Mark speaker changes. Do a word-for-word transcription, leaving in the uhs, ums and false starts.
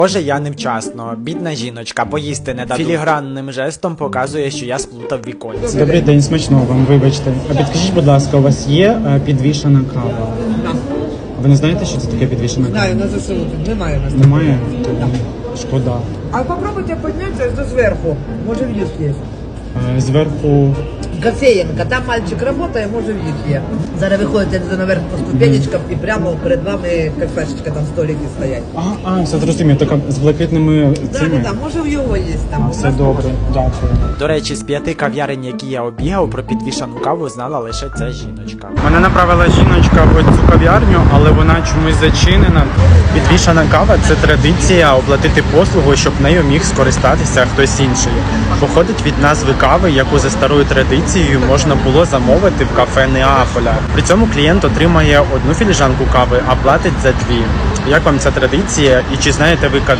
Speaker 1: Боже, я невчасно. Бідна жіночка, поїсти не дадуть. Філігранним жестом показує, що я сплутав віконці.
Speaker 2: Добрий день, смачного вам, вибачте. А підкажіть, будь ласка, у вас є е, підвішена кава?
Speaker 3: Так.
Speaker 2: Ви не знаєте, що це таке підвішена кава?
Speaker 3: Знаю, на ЗСУ тут немає у нас.
Speaker 2: Немає? Шкода.
Speaker 3: А попробуйте подняться до сверху. Может, в лифт есть.
Speaker 2: Е, Зверху...
Speaker 3: Кофеенка. Там мальчик работает, может, в лифт есть. Зараз виходите наверх по ступенечкам і прямо перед вами кафешечка, там столики стоять.
Speaker 2: А, а, все зрозумів, така з блакитними
Speaker 3: Да,
Speaker 2: цими.
Speaker 3: да, да, може в його є там.
Speaker 2: А,
Speaker 3: У
Speaker 2: все
Speaker 3: нас
Speaker 2: добре, дякую.
Speaker 1: До речі, з п'яти кав'ярень, які я обігав, про підвішану каву знала лише ця жіночка.
Speaker 2: Мене направила жіночка в цю кав'ярню, але вона чомусь зачинена. Підвішана кава – це традиція оплатити послугу, щоб нею міг скористатися хтось інший. Походить від назви кави, яку за старою традицією можна було замовити в кафе Неаполя. При цьому клієнт отримає одну філіжанку кави, а платить за дві. Як вам ця традиція і чи знаєте ви